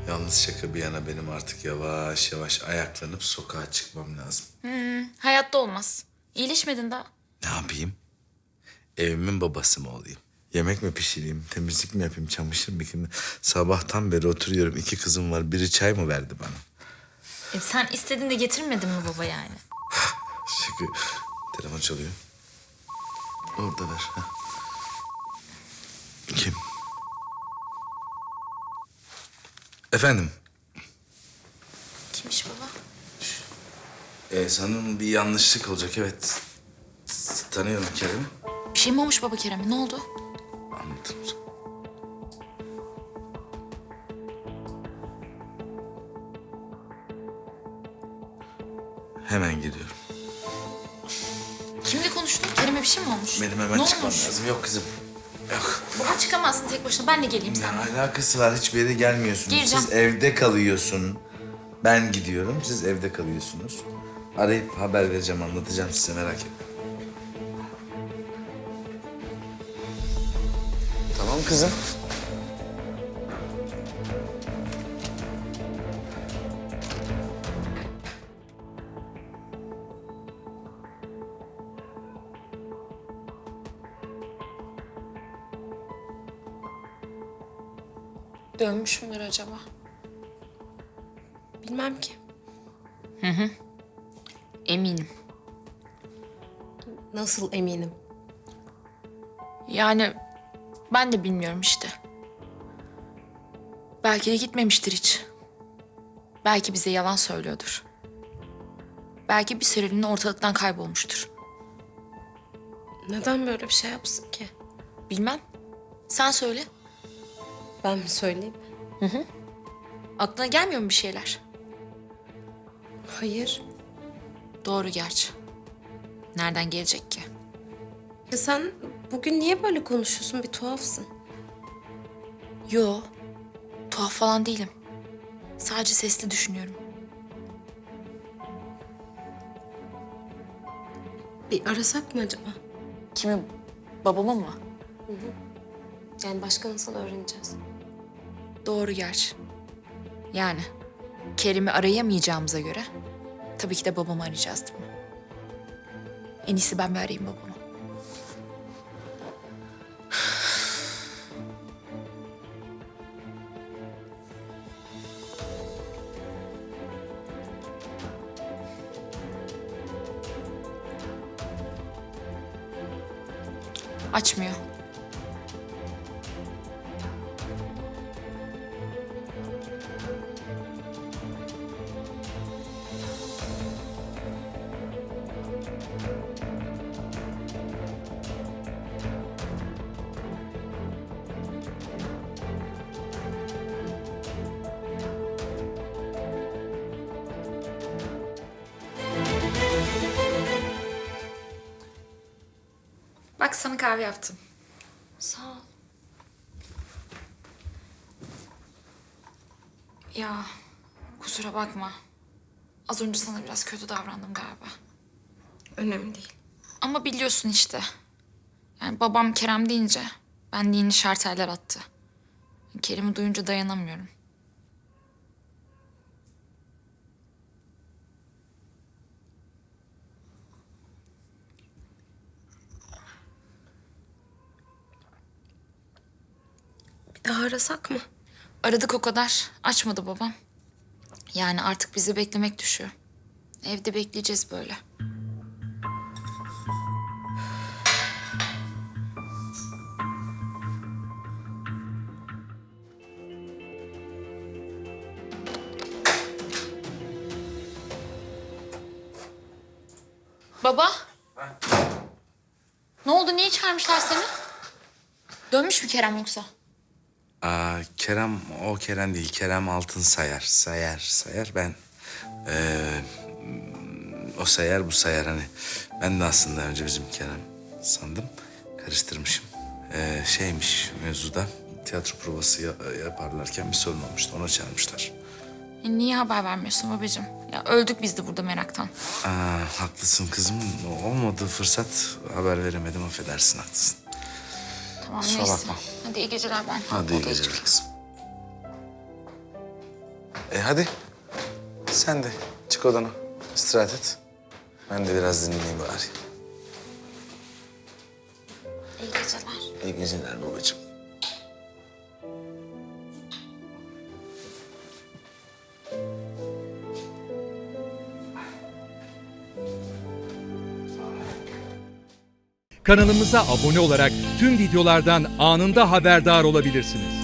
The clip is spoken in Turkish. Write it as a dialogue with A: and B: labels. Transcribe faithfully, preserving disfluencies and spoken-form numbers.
A: Yalnız şaka bir yana benim artık yavaş yavaş ayaklanıp sokağa çıkmam lazım.
B: Hayatta olmaz. İyileşmedin daha.
A: Ne yapayım? Evimin babası mı olayım? Yemek mi pişireyim, temizlik mi yapayım, çamaşır mı yıkayayım? Sabahtan beri oturuyorum. İki kızım var. Biri çay mı verdi bana?
B: E sen istedin de getirmedin mi baba yani?
A: Şaka. Telefon çalıyor. Orada ver. Heh. Kim? Efendim?
B: Kimmiş baba?
A: Ee, sanırım bir yanlışlık olacak, evet. Tanıyorum Kerem'i.
B: Bir şey mi olmuş baba Kerem'e? Ne oldu?
A: Anlatırım sana. Hemen geliyorum.
B: Kimle konuştun? Kerem'e bir şey mi olmuş?
A: Benim hemen
B: ne
A: çıkmam
B: olmuş?
A: lazım. Yok kızım. Yok.
B: Baba çıkamazsın tek başına. Ben de geleyim
A: Ne
B: seninle.
A: alakası var? Hiçbir yere gelmiyorsunuz.
B: Gireceğim.
A: Siz evde kalıyorsun. Ben gidiyorum. Siz evde kalıyorsunuz. Arayıp haber vereceğim, anlatacağım size, merak etmeyin. Tamam kızım.
B: Dönmüş müdür acaba?
C: Bilmem ki.
B: Eminim.
C: Nasıl eminim?
B: Yani ben de bilmiyorum işte. Belki de gitmemiştir hiç. Belki bize yalan söylüyordur. Belki bir süreliğine ortalıktan kaybolmuştur.
C: Neden böyle bir şey yapsın ki?
B: Bilmem. Sen söyle.
C: Ben mi söyleyeyim?
B: Aklına gelmiyor mu bir şeyler?
C: Hayır.
B: Doğru gerçi. Nereden gelecek ki?
C: Ya sen bugün niye böyle konuşuyorsun? Bir tuhafsın.
B: Yo. Tuhaf falan değilim. Sadece sesli düşünüyorum.
C: Bir arasak mı acaba?
B: Kimi? Babamı mı?
C: Yani başka nasıl öğreneceğiz?
B: Doğru gerçi. Yani Kerim'i arayamayacağımıza göre tabii ki de babamı arayacağız değil mi? En iyisi ben bir arayayım babamı. Açmıyor. Bak sana kahve yaptım.
C: Sağ ol.
B: Ya kusura bakma. Az önce sana biraz kötü davrandım galiba.
C: Önemli değil.
B: Ama biliyorsun işte. Yani babam Kerem deyince ben de yeni şarteller attı. Kerim'i duyunca dayanamıyorum.
C: Bir daha arasak mı?
B: Aradık o kadar. Açmadı babam. Yani artık bizi beklemek düşüyor. Evde bekleyeceğiz böyle. Baba. Ne oldu? Niye çağırmışlar seni? Dönmüş mü Kerem yoksa?
A: Aa, Kerem o Kerem değil. Kerem Altın Sayar. Sayar, Sayar. Ben eee, o Sayar, bu Sayar hani. Ben de aslında önce bizim Kerem sandım. Karıştırmışım. Eee, şeymiş mevzuda. Tiyatro provası ya- yaparlarken bir sorun olmuştu. Ona çağırmışlar.
B: E, niye haber vermiyorsun babacığım? Ya öldük biz de burada meraktan.
A: Aa, haklısın kızım. Olmadı fırsat. Haber veremedim. Affedersin, haklısın.
B: Tamam
A: Kusura
B: neyse.
A: bakma.
B: Hadi iyi geceler ben.
A: Hadi iyi
B: odaya
A: geceler
B: çıkayım.
A: kızım. hadi. Sen de çık odana. İstirahat et. Ben de biraz dinleneyim bari.
C: İyi geceler.
A: İyi geceler babacığım.
D: Kanalımıza abone olarak tüm videolardan anında haberdar olabilirsiniz.